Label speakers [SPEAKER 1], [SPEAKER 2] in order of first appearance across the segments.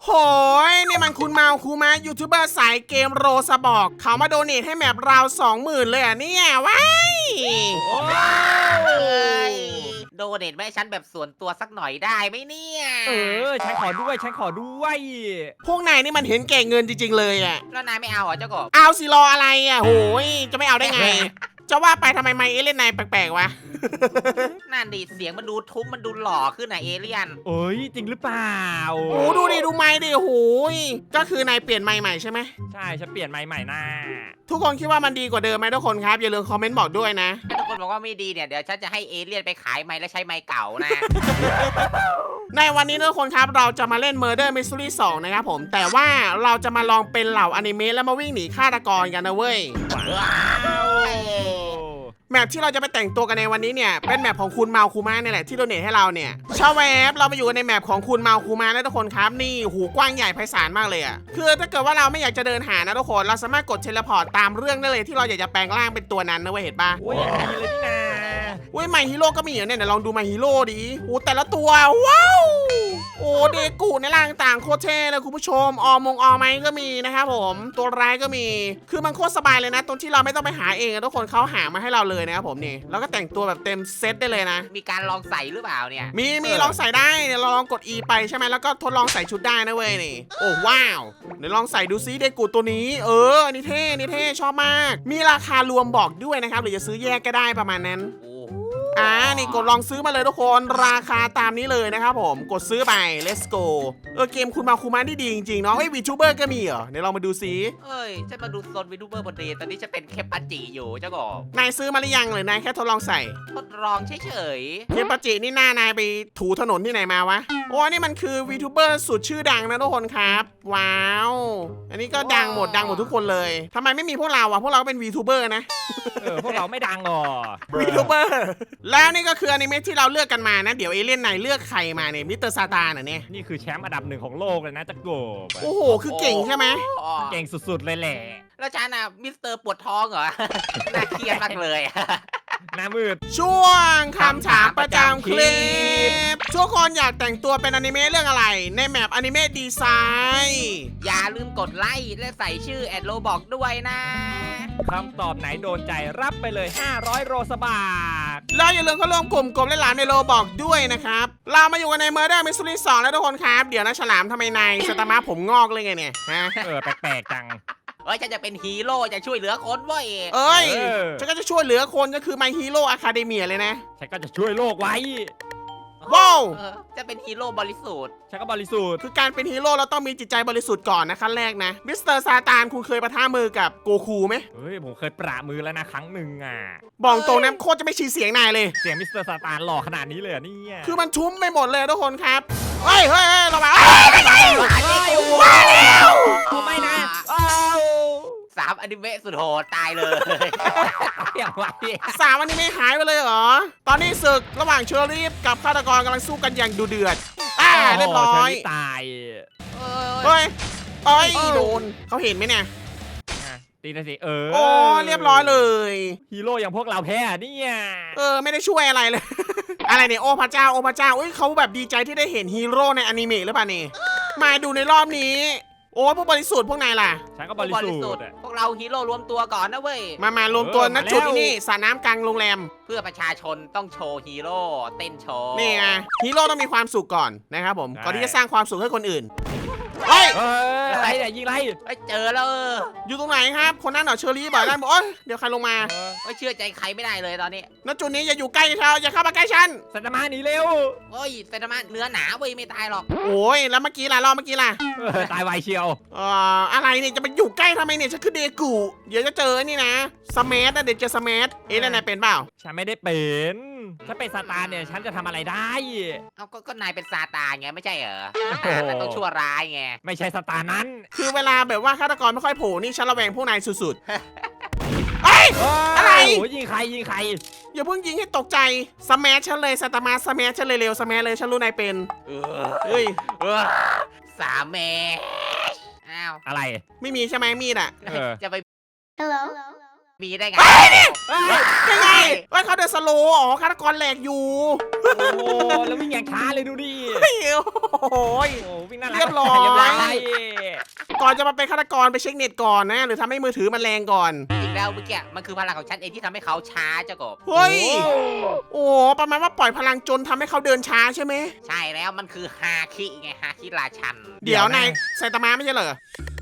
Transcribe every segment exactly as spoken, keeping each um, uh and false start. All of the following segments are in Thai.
[SPEAKER 1] โหยนี่มันคุณเมาคูมายูทูบเบอร์สายเกมโรสบอกเขามาโดเนทให้แมปเราสองหมื่นเลยอ่ะเนี่ยว้าย
[SPEAKER 2] โอ้ยโดเนทแม่ฉันแบบส่วนตัวสักหน่อยได้ไหมเนี่ย
[SPEAKER 3] เออฉันขอด้วยฉันขอด้วย
[SPEAKER 1] พวกนายนี่มันเห็นแก่เงินจริงๆเลยอ่ะ
[SPEAKER 2] แล้วนายไม่เอาเหรอเจ้ากบ
[SPEAKER 1] เอาสิรออะไรอ่ะโหยจะไม่เอาได้ไง จะว่าไปทำไมไมเอเล่นนายแปลกๆวะ
[SPEAKER 2] นั่นดิเสียงมันดูทุ้มมันดูหล่อขึ้นนะเอเลี่ยน
[SPEAKER 3] เอ้ยจริงหรือเปล่า
[SPEAKER 1] โอ้ดูดิดูไม้ดิโหยก็คือนายเปลี่ยนไม้ใหม่ใช่ไหม
[SPEAKER 3] ใช่ฉันเปลี่ยนไม้ใหม่หน้า
[SPEAKER 1] ทุกคนคิดว่ามันดีกว่าเดิมไหมทุกคนครับอย่าลืมคอมเมนต์บอกด้วยนะ
[SPEAKER 2] ถ้าทุกคนบอกว่าไม่ดีเนี่ยเดี๋ยวฉันจะให้เอเลี่ยนไปขายไม้แล้วใช้ไม้เก่านะ
[SPEAKER 1] ในวันนี้ทุกคนครับเราจะมาเล่น Murder Mystery สองนะครับผมแต่ว่าเราจะมาลองเป็นเหล่าอนิเมะแล้วมาวิ่งหนีฆาตกรกันนะเว้ย
[SPEAKER 2] ว้าว
[SPEAKER 1] แมปที่เราจะไปแต่งตัวกันในวันนี้เนี่ยเป็นแมปของคุณเมาคูมาเนี่ยแหละที่โดเนทให้เราเนี่ยชาวเว็บเรามาอยู่ในแมปของคุณเมาคูมานะทุกคนครับนี่หูกว้างใหญ่ไพศาลมากเลยอ่ะคือถ้าเกิดว่าเราไม่อยากจะเดินหานะทุกคนเราสามารถกดเทเลพอร์ตตามเรื่องได้เลยที่เราอยากจะแปลงร่างเป็นตัวนั้นนะเว้ยเห็นปะ
[SPEAKER 3] โอ้ยอย่างดีเลยนี่นา
[SPEAKER 1] เว้ยไมฮีโร่ก็มีเหรอเนี่ยเดี๋ยวลองดูไมฮีโร่ดิโอ้แต่ละตัวว้าวโอ้เดกูในร่างต่างโคตรเท่เลยคุณผู้ชมออมงออไมก็มีนะครับผมตัวร้ายก็มีคือมันโคตรสบายเลยนะตรงที่เราไม่ต้องไปหาเองทุกคนเขาหามาให้เราเลยนะครับผมนี่แล้วก็แต่งตัวแบบเต็มเซตได้เลยนะ
[SPEAKER 2] มีการลองใส่หรือเปล่าเนี่ย
[SPEAKER 1] มีมีลองใส่ได้เนี่ยเราลองกด E ไปใช่ไหมแล้วก็ทดลองใส่ชุดได้นะเว้ยนี่โอ้ว้าวเดี๋ยวลองใส่ดูซิเดกูตัวนี้เออนี่เท่นี่เท่ชอบมากมีราคารวมบอกด้วยนะครับหรือจะซื้อแยกก็ได้ประมาณนั้น
[SPEAKER 2] โอ้
[SPEAKER 1] อ่านี่กดลองซื้อมาเลยทุกคนราคาตามนี้เลยนะครับผมกดซื้อไป let's go เออเกมคุณมาคูมานี่ดีจริงๆเนาะเฮ้ยวีทูเบอร์ก็มีเหรอเดี๋ยวลองมาดูซิ
[SPEAKER 2] เอ้ยฉันมาดูโซนวิทูเบอร์บนเรียนตอนนี้จะเป็นเคปปัจจิอยู่เจ้ากบ
[SPEAKER 1] นายซื้อมาหรือยังหรือนายแค่ทดลองใส่
[SPEAKER 2] ทดลองเฉย
[SPEAKER 1] เคปาจินี่หน้านายไปถูถนนที่ไหนมาวะโอ้นี่มันคือวีทูเบอร์สุดชื่อดังนะทุกคนครับว้าวอันนี้ก็ดังหมดดังหมดทุกคนเลยทำไมไม่มีพวกเราวะพวกเราก็เป็นวีทูเบอร์นะ
[SPEAKER 3] เออพวกเราไม่ดังหรอ
[SPEAKER 1] วีทูเบอร์แล้วนี่ก็คืออนิเมะที่เราเลือกกันมานะเดี๋ยวเอเลี่ยนนายเลือกใครมาเนี่ยมิสเตอร์ซาตานเหรอเนี่ย
[SPEAKER 3] นี่คือแชมป์อันดับหนึ่งของโลกเลยนะจักรโกบ
[SPEAKER 1] โอ้โหคือเก่งใช่ไหม
[SPEAKER 2] ๆอ๋อ
[SPEAKER 3] เก่งสุดๆเลยแหละ
[SPEAKER 2] แล้วฉันอ่ะมิสเตอร์ปวดท้องเหรอ น่าเครียดมากเลย
[SPEAKER 3] หน้ามืด
[SPEAKER 1] ช่วงคำถามประจำคลิปทุกคนอยากแต่งตัวเป็นอนิเมะเรื่องอะไรในแมปอนิเมะดีไซน์
[SPEAKER 2] อย่าลืมกดไลค์และใส่ชื่อแอดโลบอกด้วยนะ
[SPEAKER 3] คำตอบไหนโดนใจรับไปเลยห้าร้อยโรสบาท
[SPEAKER 1] แล้วอย่าลืมเข้าร่วมกลุ่มกลมและหลานในโลบอกด้วยนะครับเรามาอยู่กันใน Murder Mystery สองแล้วทุกคนครับเดี๋ยวนะฉลามทำไมนายสตาร์มาผมงอกเลยไงเนี่ยฮะ
[SPEAKER 3] เออแปลกๆจัง
[SPEAKER 2] เอ้ยฉันจะเป็นฮีโร่จะช่วยเหลือคนเว้ย
[SPEAKER 1] เอ้ย
[SPEAKER 3] เออ
[SPEAKER 1] ฉันก็จะช่วยเหลือคนก็คือ My Hero Academia เลยนะ
[SPEAKER 3] ฉันก็จะช่วยโลกไว้
[SPEAKER 1] ว้าว
[SPEAKER 2] เออจะเป็นฮีโร่บริสุทธิ์
[SPEAKER 3] ฉันก็บริสุทธิ์
[SPEAKER 1] คือการเป็นฮีโร่เราต้องมีจิตใจบริสุทธิ์ก่อนนะขั้นแรกนะมิสเตอร์ซาตานคุณเคยปะทะมือกับโกคูไหม
[SPEAKER 3] เฮ้ยผมเคยปรามือแล้วนะครั้งหนึ่งอ่ะ
[SPEAKER 1] บอกตรงนะโคตรจะไม่ชี้เสียงนายเลย
[SPEAKER 3] เสียงมิสเตอร์ซาตานหล่อขนาดนี้เลยเหรอเนี่ย
[SPEAKER 1] คือมันชุ่มไปหมดเลยทุกคนครับเฮ้ยเฮ้ยเฮ้ยเรามาเอ้ยไม่ใช่
[SPEAKER 3] มาแล้วไม่นะอ้าว
[SPEAKER 2] สามอนิเมะสุดโหดตายเลย
[SPEAKER 3] อย่างไร
[SPEAKER 1] สามอันนี้ไม่หายไปเลยเหรอ ตอนนี้ศึกระหว่างเชอรี่กับฆาตกรกำลังสู้กันอย่างดุเดือด อ่าเรียบร้อย
[SPEAKER 3] ตาย
[SPEAKER 1] เฮ้ยเอ้ยโดนเขาเห็นไหมเนี่ย
[SPEAKER 3] ตีนะสิเออ
[SPEAKER 1] โอ้เรียบร้อยเลย
[SPEAKER 3] ฮีโร่อย่างพวกเราแพ้เนี่ย
[SPEAKER 1] เออไม่ได้ช่วยอะไรเลย อะไรเนี่ยโอ้พระเจ้าโอ้พระเจ้าอุ้ยเขาแบบดีใจที่ได้เห็นฮีโร่ในอนิเมะหรือเปล่านี่มาดูในรอบนี้ โอ้พวกบริสุทธิ์พวกนายล่ะ
[SPEAKER 3] ฉันก็บริสุทธิ์
[SPEAKER 2] พวกเราฮีโร่รวมตัวก่อนนะเว้ย
[SPEAKER 1] มามารวมตัวณจุดนี้สระน้ำกลางโรงแรม
[SPEAKER 2] เพื่อประชาชนต้องโชว์ฮีโร่เต้นโชว์
[SPEAKER 1] นี่ไงฮีโร่ต้องมีความสุขก่อนนะครับผมก่อนที่จะสร้างความสุขให้คนอื่นเฮ้ย
[SPEAKER 3] เฮ้ยอะไรเนี่ยยิงไร
[SPEAKER 2] เอ้ยเจอแล้วเออ
[SPEAKER 1] อยู่ตรงไหนครับคนนั้นเหรอเชอรี่บอกได้บอกโอ๊ยเดี๋ยวใครลงมา
[SPEAKER 2] เอ้ยเชื่อใจใครไม่ได้เลยตอนนี้
[SPEAKER 1] ณจุดนี้อย่าอยู่ใกล้เขาอย่าเข้ามาใกล้ฉัน
[SPEAKER 3] สัตมาหนีเร็ว
[SPEAKER 2] โอ้ยเซนมาเนื้อหนาเว้ยไม่ตายหรอก
[SPEAKER 1] โอ้ยแล้วเมื่อกี้ล่ะรอบเมื่อกี้ล่ะ
[SPEAKER 3] เออตายไวเชียว
[SPEAKER 1] เอ่ออะไรเนี่ยจะไปอยู่ใกล้ทำไมเนี่ยฉันคือเดกูเดี๋ยวจะเจอนี่นะสมัทนะเดี๋ยวเจอสมัทเอ๊ะแล้วนายเป็นเปล่า
[SPEAKER 3] ฉันไม่ได้เป็นถ้าเป็นซาตานเนี่ยฉันจะทำอะไรได้
[SPEAKER 2] เอาก็ก็นายเป็นซาตานไงไม่ใช่เหรอ
[SPEAKER 3] โอ้โห
[SPEAKER 2] นายต้องชั่วร้ายไง
[SPEAKER 3] ไม่ใช่ซาตานนั้น
[SPEAKER 1] คือเวลาแบบว่าฆาตกรไม่ค่อยโผล่นี่ฉันระแวงพวกนายสุดๆเอ้ย อะไร
[SPEAKER 3] โอ้ยยิงใครยิงใคร
[SPEAKER 1] อย่าเพิ่งยิงให้ตกใจสมัทฉันเลยสตาร์มาสมัทฉันเลยเร็วสมัทเลยฉันรู้นายเป็น
[SPEAKER 2] เออ
[SPEAKER 1] เฮ้ย
[SPEAKER 2] เออสามเมตรอ้าว
[SPEAKER 3] อะไร
[SPEAKER 1] ไม่มีใช่ไหมมีดอะ
[SPEAKER 3] เออ
[SPEAKER 2] จะไป
[SPEAKER 4] Hello?
[SPEAKER 2] มีได้ไง
[SPEAKER 1] ยังไงว่าเขาเดินสโลว์อ๋อฆาตกรแหลกอยู่
[SPEAKER 3] โอ้โหแล้ววิ่งอย่างช้าเลยดูดิ
[SPEAKER 1] เฮ้ยโอ้โหย
[SPEAKER 3] โอ้วิ่งน่ารัก
[SPEAKER 1] เรียบร้อย
[SPEAKER 3] เรียบร้อย
[SPEAKER 1] ก่อนจะมาเป็นฆาตกรไปเช็คเน็ตก่อนนะ หรือทำให้มือถือมันแรงก่อน
[SPEAKER 2] จริงแล้วเมื่อกี้มันคือพลังของฉันเองที่ทำให้เขาช้าเจ้ากบ
[SPEAKER 1] เฮ้ย
[SPEAKER 3] โอ้
[SPEAKER 1] โอ้ประมาณว่าปล่อยพลังจนทำให้เขาเดินช้าใช่ไหม
[SPEAKER 2] ใช่แล้วมันคือฮาคิไงฮาคิราชัน
[SPEAKER 1] เดี๋ยวนายไซตามะไม่ใช่เหรอ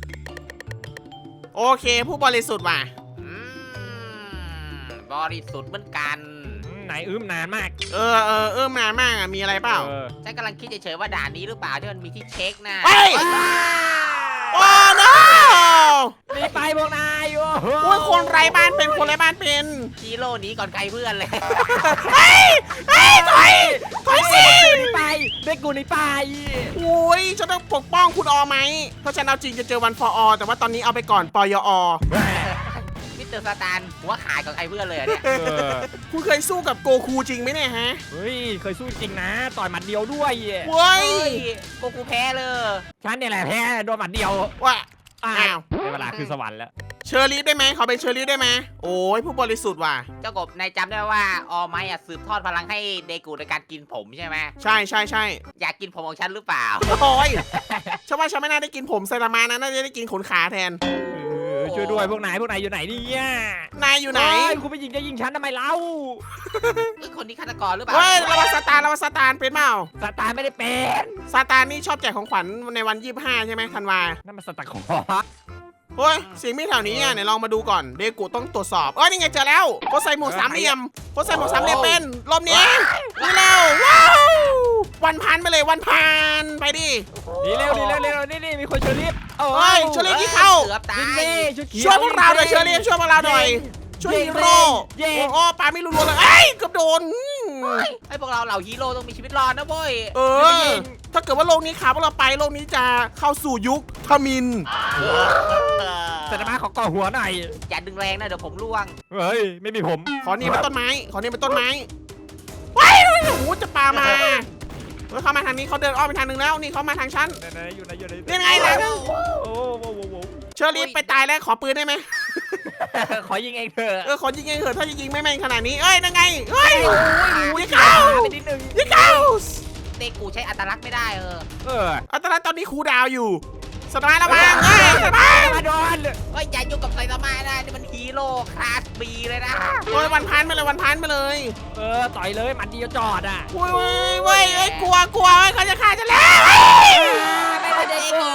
[SPEAKER 1] โอเค ผู้บริสุทธิ์ว่ะ
[SPEAKER 2] อืมบริสุทธิ์เหมือนกัน
[SPEAKER 3] ไหนอื้มนานมาก
[SPEAKER 1] เออเออเออมามากอ่ะ มีอะไรเปล่า
[SPEAKER 3] เออ
[SPEAKER 2] ฉันกำลังคิดเฉยๆว่าด่านนี้หรือเปล่าที่มันมีที่เช็คนะ
[SPEAKER 1] เฮ้ย โอ้ no
[SPEAKER 3] หนีไปพวกนายโอ้โห
[SPEAKER 1] โอ้ยคนไร้บ้านเป็นคนไร้บ้านเป็น
[SPEAKER 2] ฮีโร่หนี้ก่อนใครเพื่อนเลย
[SPEAKER 1] เฮ้ยเฮ้ยถอยถอยสิ
[SPEAKER 3] กูหนีไปเด็กกูหนีไป
[SPEAKER 1] โอ้ยฉันต้องปกป้องคุณออไหม เพราะฉันเอาจริงจะเจอวันฟออแต่ว่าตอนนี้เอาไปก่อนปยอ
[SPEAKER 2] มิสเตอร์สตาร์หัวขาดก่อนใครเพื่อนเลยอะเนี่ย
[SPEAKER 3] เออ
[SPEAKER 1] คุณเคยสู้กับโกคูจริงไหมเนี่ยฮะ
[SPEAKER 3] เฮ้ยเคยสู้จริงนะต่อยหมัดเดียวด้วย
[SPEAKER 1] เว้ย
[SPEAKER 2] เฮ้ยโกกูแพ้เลย
[SPEAKER 3] ฉันเนี่ยแหละแพ้โดนหมัดเดียว
[SPEAKER 1] ว่า
[SPEAKER 3] อ้า
[SPEAKER 1] อ้าว
[SPEAKER 3] วในเวลาคือสวรรค์แล้ว
[SPEAKER 1] เชอร์ลีฟได้ไหมขอเป็นเชอร์ลีฟได้ไหมโอ้ยผู้บริสุทธิ์ว่ะ
[SPEAKER 2] เจ้ากบนายจำได้ว่าออไมอะสืบทอดพลังให้เดกูในการกินผมใช่ไหม
[SPEAKER 1] ใช่ใช่ใช่
[SPEAKER 2] อยากกินผมของฉันหรือเปล่า
[SPEAKER 1] โอ้ยฉันว่าฉันไม่น่าได้กินผมไซตามะนะน่าจะได้กินขนขาแทน
[SPEAKER 3] เออช่วยด้วยพวกนายพวกนายอยู่ไหนเนี่ย
[SPEAKER 1] นายอยู่ไหน
[SPEAKER 3] เฮ้ยคุณไปยิงจะยิงฉันทำไมเล่า
[SPEAKER 2] เฮ้ยคนนี้ฆาตกรหรือเปล่า
[SPEAKER 1] เฮ้ยระวังซาตานระวังซาตานเป็นเปล่า
[SPEAKER 3] สตาร์ไม่ได้เป็น
[SPEAKER 1] ซาตานนี่ชอบแจกของขวัญในวันยี่สิบห้าใช่ไหมธันวา
[SPEAKER 3] นั่นมันสตาร์ขอ
[SPEAKER 1] เฮ้ยเสียงมีแถวนี้อ่ะไหนลองมาดูก่อนเดกูต้องตรวจสอบเอ้ยนี่ไงเจอแล้วโคใส่หมวกสามเหลี่ยมโคใส่หมวกสามเหลี่ยมเป็นรอบนี้นี่เร็วว้าววันพันไปเลยวันพันไปดิ
[SPEAKER 3] ดีเร็วดีเร็วเร็วนี่นี่มีคนเชอร์ลิฟโอ้
[SPEAKER 1] เฮ้ยเชอร์ลีฟที่เข้า
[SPEAKER 2] เกือบตา
[SPEAKER 3] ยิง
[SPEAKER 2] ย
[SPEAKER 3] ดิชุดเขียว
[SPEAKER 1] ช่วยพวกเราหน่อยเชอร์ลีฟช่วยพวกเราหน่อยช่วยฮีโร่
[SPEAKER 3] เย้
[SPEAKER 1] โอ้โอ้ปาไม่รู้เลยเอ้ยเกือบโดนอืม
[SPEAKER 2] ไอ้พวกเราเหล่าฮีโร่ต้องมีชีวิตรอดนะเว้ย
[SPEAKER 1] เออ ถ้าเกิดว่าโลกนี้ขาพวกเราไปโลกนี้จะเข้าสู่ยุคทมิน
[SPEAKER 3] สตาร์ขอก่อหัวหน่อย
[SPEAKER 2] อย่าดึงแรงนะเดี๋ยวผมร่วง
[SPEAKER 3] เฮ้ยไม่มีผม
[SPEAKER 1] ขอนี่เป็นต้นไม้ ขอนี่เป็นต้นไม้ว้ายโอ้โหจะปามาเฮ้ยเขามาทางนี้เขาเดินอ้อมไปทางนึงแล้วนี่เขามาทางฉัน
[SPEAKER 3] ไหนๆอยู่ไหนอยู่ไหน
[SPEAKER 1] นี่ไงนะ
[SPEAKER 3] โอ้โหโอ้โห
[SPEAKER 1] เชอรี่ไปตายแล้วขอปืนได้ไหม
[SPEAKER 3] ขอยิงเองเถอะ
[SPEAKER 1] เออขอยิงเองเถอะถ้าจะยิงไม่แม่นขนาดนี้เอ้ยนั่นไงเฮ้ย
[SPEAKER 3] ยิ
[SPEAKER 1] ยิ
[SPEAKER 3] ง
[SPEAKER 1] งเข้า
[SPEAKER 3] ไปนิดนึง
[SPEAKER 1] ยิงเข้า
[SPEAKER 2] เด็กกูใช้อัตลักษณ์ไม่ได้เออ
[SPEAKER 3] เออ
[SPEAKER 1] อัตราตอนนี้ครูดาวอยู่สตาร์ระวังเฮ้ยสตาร์
[SPEAKER 3] มาโดน
[SPEAKER 2] เฮ้ยอย่ายุ่งกับไซตามะนะนี่มันฮีโร่คลาสบีเลยนะ
[SPEAKER 1] โอ้ยวันพันไปเลยวันพันไปเลย
[SPEAKER 3] เออต่อยเลยหมัดเดียวจอดอ่ะ
[SPEAKER 1] โอ้ยโอ้ยโอ้ยเอ้ยกลัวกลัวเอ้ยเขาจะฆ่าฉันแล้ว
[SPEAKER 2] ไม่ได้เด็กกู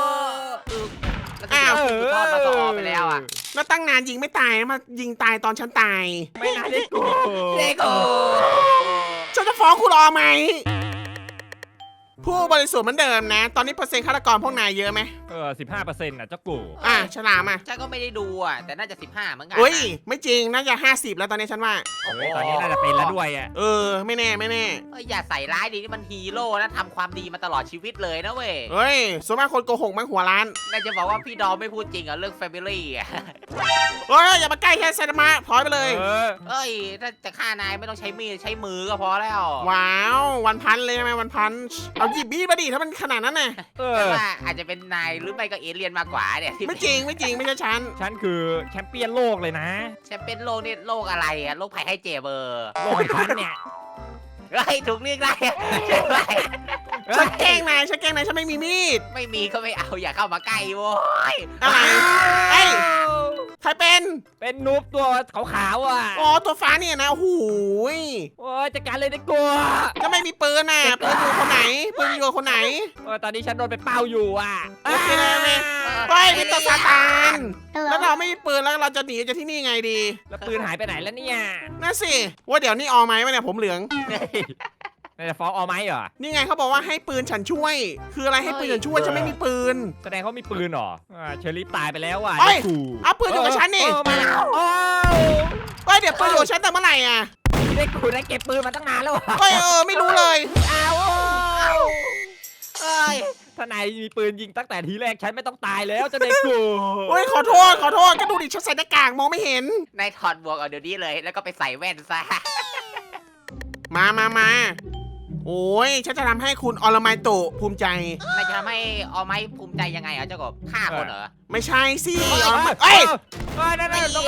[SPEAKER 2] แล้วก็เดี๋ยวสุดทอดมาต่อไปแล้วอ่ะ
[SPEAKER 1] แล้วตั้งนานยิงไม่ตายมายิงตายตอนฉันตาย
[SPEAKER 3] ไม่น่าได้กู
[SPEAKER 2] เด็กกู
[SPEAKER 1] ฉันจะฟ้องคุณรอไหม ผู้บริสุทธิ์เหมือนเดิมนะ ตอนนี้เปอร์เซ็นต์ฆาตกรพวกนายเยอะไหม
[SPEAKER 3] เออสิบห้าเปอร์เซ็นต์อ่ะเจ้ากู
[SPEAKER 1] อ่ะฉลามอ่ะ
[SPEAKER 2] ฉันก็ไม่ได้ดูอ่ะแต่น่าจะสิบห้าเหมือนกัน
[SPEAKER 1] เฮ้ย ไม่จริง น่าจะห้าสิบแล้วตอนนี้ฉันว่า
[SPEAKER 3] เฮ้ยตอนนี้น่าจะเป็นแล้วด้วยอ่ะ
[SPEAKER 1] เออ ไม่แน่ไม่แน่
[SPEAKER 2] เฮ้ยอย่าใส่ร้ายดินี่มันฮีโร่นะทำความดีมาตลอดชีวิตเลยนะเว้ย
[SPEAKER 1] เฮ้ยส่วนมากคนโกหกมั้งหัวร้าน
[SPEAKER 2] น่าจะบอกว่าพี่ดอมไม่พูดจริงอ่ะเรื่องแฟมิลี่อ่ะ
[SPEAKER 1] เฮ้ย อย่ามาใกล้แค่ไซตามะถอยไปเลย
[SPEAKER 3] เออ
[SPEAKER 2] เอ้ยถ้าจะฆ่านายไม่ต้องใช้มีดใช้มือก็พอแล้ว
[SPEAKER 1] ว้าว วันพันเลยใช่ไหมวันพัน เอาหยิบมีดมาดิถ้ามันขนาดนั้นน่ะ
[SPEAKER 3] เอ
[SPEAKER 2] แต่
[SPEAKER 3] อ
[SPEAKER 2] ว่าอาจจะเป็นนายหรือไม่ก็เอเลี่ยนมากกว่าเนี่ยที่
[SPEAKER 1] ไม่จริงไม่จริงไม่ใช่ฉัน
[SPEAKER 3] ฉันคือแชมเปี้ยนโลกเลยนะ
[SPEAKER 2] แชมเปี้ยนโลกนี่โลกอะไรอ่ะโลกภัยให้เจ็บเบอร์
[SPEAKER 3] โลกของฉันเนี่ย
[SPEAKER 2] เฮ้ยถูกเรียกได้ใช่ไหม
[SPEAKER 1] ฉันแกล้งนายฉันแกล้งนายฉันไม่มีมีด
[SPEAKER 2] ไม่มีก็ไม่เอาอย่าเข้ามาใกล้โว้ย
[SPEAKER 1] อะไรเฮ้ย ใครเป็น
[SPEAKER 3] เป็นนูบตัวขาวๆอ่ะ
[SPEAKER 1] อ๋อ ตัวฟ้าเนี่ยนะ โอ้โหย
[SPEAKER 3] โอ้ยจัดการเลยได้กลัว
[SPEAKER 1] ก็ไม่มีปืนน่ะ ปืนอยู่คนไหน ปืนอยู่กับคนไหน
[SPEAKER 3] เออตอนนี้ฉันโดนไปเป้าอยู่อ่ะ
[SPEAKER 1] โอเคเลยเว้ย เฮ้ยมีตัวซาตาน แล้วเราไม่มีปืนแล้วเราจะหนีจากที่นี่ไงดี
[SPEAKER 3] แล้วปืนหายไปไหนแล้วเนี่ย
[SPEAKER 1] นั่นสิ ว่าเดี๋ยวนี่ออไหมวะเนี่ยผมเหลือง
[SPEAKER 3] เฮ้ยนายจะฟ้องออไหมเหรอ
[SPEAKER 1] นี่ไงเขาบอกว่าให้ปืนฉันช่วย คืออะไรให้ปืนฉันช่วยฉันไม่มีปืน
[SPEAKER 3] แสดงเขามีปืนเหรออ่าเชอรี่ตายไปแล้วอ่ะ
[SPEAKER 1] เอ้ย
[SPEAKER 3] ได้กู
[SPEAKER 1] เอาปืนอยู่กับฉันนี่
[SPEAKER 3] เออมาแล้วโอ้
[SPEAKER 1] เฮ้ยเดี๋ยวปืนอยู่กับฉันแต่เมื่อไหร่อ่ะ
[SPEAKER 3] ได้กูได้เก็บปืนมาตั้งนานแล้วอะ
[SPEAKER 1] เฮ้ยเออไม่รู้เลย
[SPEAKER 3] อ้าว
[SPEAKER 2] เอ้ย
[SPEAKER 3] ถ้านายมีปืนยิงตั้งแต่ทีแรกฉันไม่ต้องตายแล้วจะได้กู
[SPEAKER 1] เฮ้ยขอโทษขอโทษก็ดูดิฉันใส่หน้ากากมองไม่เห็น
[SPEAKER 2] นายถอดบวกเอาเดี๋ยวนี้เลย แล้วก็ไปใส่แว่นซะ
[SPEAKER 1] มามามาโอ้ยฉันจะทำให้คุณอรไมโตะภูมิใจ
[SPEAKER 2] นายจะทำให้เอาไม้ภูมิใจยังไงอ่ะเจ้ากบฆ่าคนเหรอ
[SPEAKER 1] ไม่ใช่สิ
[SPEAKER 3] เอ้
[SPEAKER 1] อรไม
[SPEAKER 3] เอ้
[SPEAKER 1] เอ้
[SPEAKER 3] ย
[SPEAKER 1] ย
[SPEAKER 3] เอ้ยนั่นนั่นตรงนั้น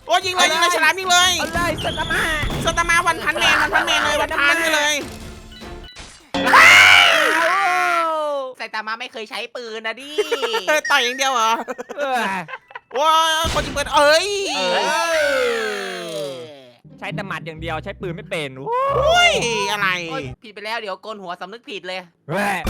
[SPEAKER 1] โอ้ยิงเลยยิงเลยฉลามยิงเลย
[SPEAKER 3] เอาเลยสตาร์มา
[SPEAKER 1] สตาร์มาวันพันแมนวันพันแมนเลยวันพันไปเลย
[SPEAKER 2] ไซตามะไม่เคยใช้ปืนนะดิ
[SPEAKER 1] ต่อยอย่างเดียวเหรอ
[SPEAKER 3] เออ
[SPEAKER 1] ว้าคนยิงปืนเอ้ย
[SPEAKER 3] เอ
[SPEAKER 2] เออ
[SPEAKER 3] ใช้แต่หมัดอย่างเดียวใช้ปืนไม่เป็นโ
[SPEAKER 1] อุ้ยอะไร
[SPEAKER 2] โอ๊ยผิดไปแล้วเดี๋ยวโกนหัวสำนึกผิดเลย
[SPEAKER 3] อ้ย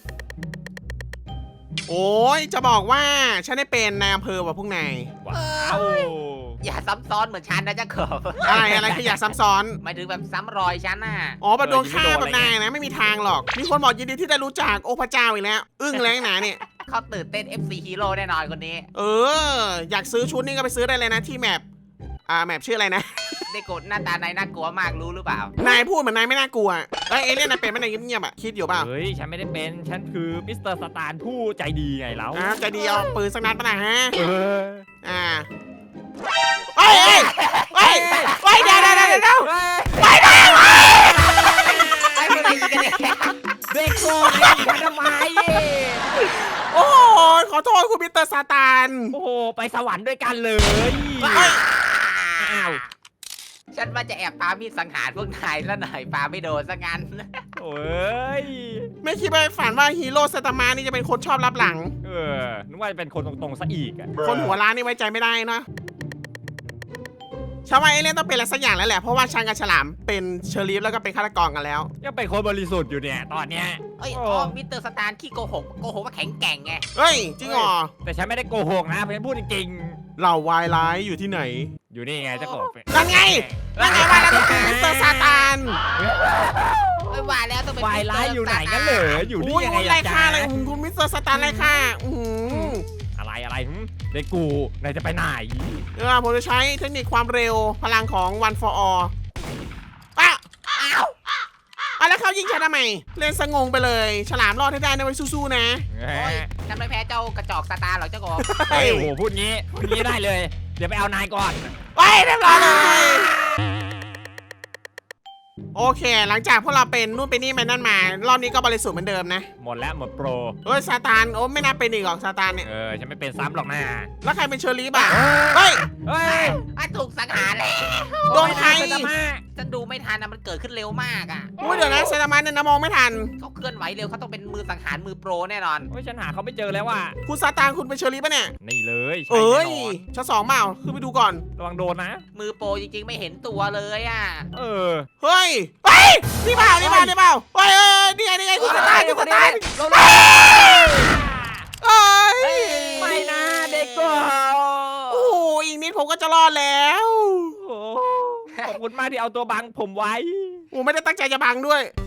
[SPEAKER 1] โอ้ยจะบอกว่าฉันได้เป็นนายอำเภอว่ะพวกนาย
[SPEAKER 3] ว้าว
[SPEAKER 2] อย่าซ้ำซ้อนเหมือนฉันนะเจ้าขอบ
[SPEAKER 1] อะไรอะไรขยะซ้ำซ้อน
[SPEAKER 2] หมายถึงแบบซ้ำรอยฉันน่ะ
[SPEAKER 1] อ๋อแบบโดนฆ่าแบบนายนะไม่มีทางหรอก มีคนบอกยินดีที่ได้รู้จักโอ้พระเจ้าอีกแล้ว อึ้งแล้วหนาเนี่ย
[SPEAKER 2] เขาตื่นเต้น เอฟ ซี Hero แน่นอนคนนี้
[SPEAKER 1] เออ อยากซื้อชุดนี่ก็ไปซื้อได้เลยนะที่แมปอ่าแมปชื่ออะไรนะ
[SPEAKER 2] ได้กดหน้าตานายน่ากลัวมากรู้หรือเปล่า
[SPEAKER 1] นายพูดเหมือนนายไม่น่ากลัวเอ้ยเอเลี่ยนนายเป็นไหมนายเงียบๆอ่ะคิดอยู่เปล่า
[SPEAKER 3] เฮ้ยฉันไม่ได้เป็นฉันคือมิสเตอร์สตาร์ผู้ใจดีไงแล้ว
[SPEAKER 1] อ่าใจดีเอาปืนสักนัดปะนะฮะ
[SPEAKER 3] เออ
[SPEAKER 1] อ่าเฮ้ยเฮ้ยเฮ้ยเฮ้ยเดี๋ยวเดี๋ยวเดี๋ยวเดี๋ยว
[SPEAKER 3] ไปไป
[SPEAKER 2] ไอ้พวกนายยิงกันเนี่ย
[SPEAKER 3] เด็กโกงไอ้ทำไม
[SPEAKER 1] โอ้โหขอโทษคุณมิสเตอร์ซาตาน
[SPEAKER 3] โอ้โหไปสวรรค์ด้วยกันเลยอ้าว
[SPEAKER 2] ฉันว่าจะแอบปามีดสังหารพวกนายแล้วหน่อยปาไม่โดนซะงั้น
[SPEAKER 3] โอ้ย
[SPEAKER 1] ไม่คิดไปฝันว่าฮีโร่ซาตามานี่จะเป็นคนชอบรับหลัง
[SPEAKER 3] เออนึกว่าจะเป็นคนตรงๆซะอีกอะ
[SPEAKER 1] คนหัวร้านนี่ไว้ใจไม่ได้นะชาวว่าเอเลี่ยนต้องเป็นอะไรสักอย่างแล้วแหละ เพราะว่าช้างกับฉลามเป็นเชอรีฟแล้วก็เป็นฆาตกรกันแล้ว
[SPEAKER 3] ยังเป็นคนบริสุทธิ์อยู่เนี่ยตอนเนี้ย
[SPEAKER 2] เอ้ย
[SPEAKER 3] โอ้
[SPEAKER 2] อ๋อมิสเตอร์สตาร์ขี้โกหกโกหกว่าแข็งแกร่งไง
[SPEAKER 1] เฮ้ย จริงเหรอ
[SPEAKER 3] แต่ฉันไม่ได้โกหกนะเพราะฉันพูดจริง
[SPEAKER 1] เหล่าวายร้ายอยู่ที่ไหน
[SPEAKER 3] ๆอยู่นี่ไงเจ้าของ
[SPEAKER 1] นั่นไงนั่นไงว่าแล้วก็คือมิสเตอร์ซาตาน
[SPEAKER 2] ไม่ว่าแล้วต้องเป็น
[SPEAKER 3] วายร้ายอยู่ไหนกันเหรออยู่นี่
[SPEAKER 1] อุ้ย
[SPEAKER 3] ยังไง
[SPEAKER 1] ไล่
[SPEAKER 3] ล่ะ
[SPEAKER 1] ฆ่า
[SPEAKER 3] จ๊ะ
[SPEAKER 1] เลยอื้อหือคุณมิสเตอร์ซาตานไล่ฆ่าอือหือ
[SPEAKER 3] อะไรอะไรหึเด็กกูนายจะไปไหน
[SPEAKER 1] เออผมจะใช้เทคนิคความเร็วพลังของ one for all อ่ะ
[SPEAKER 2] อ้าว
[SPEAKER 1] อ่ะแล้วเขายิงฉันทำไมเล่นสงงไปเลย ฉลามรอดให้ได้นะไว้สู้ๆนะ
[SPEAKER 3] เ
[SPEAKER 2] โอ้ยฉันไม่แพ้เจ้ากระจอกสตาร์หรอกเจ้ากบ
[SPEAKER 3] ฮ้ยโอ้โหพูดงี้พูดงี้ได้เลย เดี๋ยวไปเอานายก่อน
[SPEAKER 1] ไปเรียบร้อยเลย โอเค หลังจากพวกเราเป็นนู่นเป็นนี่ไปนั่นมา รอบนี้ก็บริสุทธิ์เหมือนเดิมนะ
[SPEAKER 3] หมดแล้วหมดโปร
[SPEAKER 1] เฮ้ยซาตานโอ้ไม่น่าเป็นอีกหรอกซาตานเนี่ย
[SPEAKER 3] เออฉันไม่เป็นซ้ำหรอกนะ
[SPEAKER 1] แล้วใครเป็นเชอรี่บ้างเฮ้ย
[SPEAKER 3] เฮ้ย
[SPEAKER 2] อ่ะถูกสังหารแล้ว
[SPEAKER 1] โดนใคร
[SPEAKER 3] โอ้ยน่าจะมา
[SPEAKER 2] ฉันดูไม่ทันนะมันเกิดขึ้นเร็วมากอ่ะ
[SPEAKER 1] อุ้ยเดี๋ยวนะเซตามันเนี่ยนะมองไม่ทัน
[SPEAKER 2] เขาเคลื่อนไหวเร็วเขาต้องเป็นมือสังหารมือโปรแน่นอน
[SPEAKER 3] โอ้ยฉันหาเขาไม่เจอแล้วว่ะ
[SPEAKER 1] คุณซาตานคุณเป็นเชอรี่ปะเนี่ย
[SPEAKER 3] นี่เลยใช่
[SPEAKER 1] เอ้ย
[SPEAKER 3] แน่นอน
[SPEAKER 1] ชั้นสองเปล่าขึ้นไปดูก่อน
[SPEAKER 3] ระวังโดนนะ
[SPEAKER 2] มือโปรจริงๆไม่เห็นตัวเลยอ่ะ
[SPEAKER 3] เออ
[SPEAKER 1] เฮ้ยเฮ้ยนี่เปล่านี่เปล่านี่เปล่าเฮ้ยเอ้ยนี่ไงนี่ไงคุณซาตานคุณซาตานเอ้ย
[SPEAKER 3] ไม่นะเด็กกู
[SPEAKER 1] โอ้โหอีกนิดผมก็จะรอดแล้ว
[SPEAKER 3] โอ้ขอบคุณมากที่เอาตัวบังผมไว้
[SPEAKER 1] โอ้ไม่ได้ตั้งใจจะบังด้วย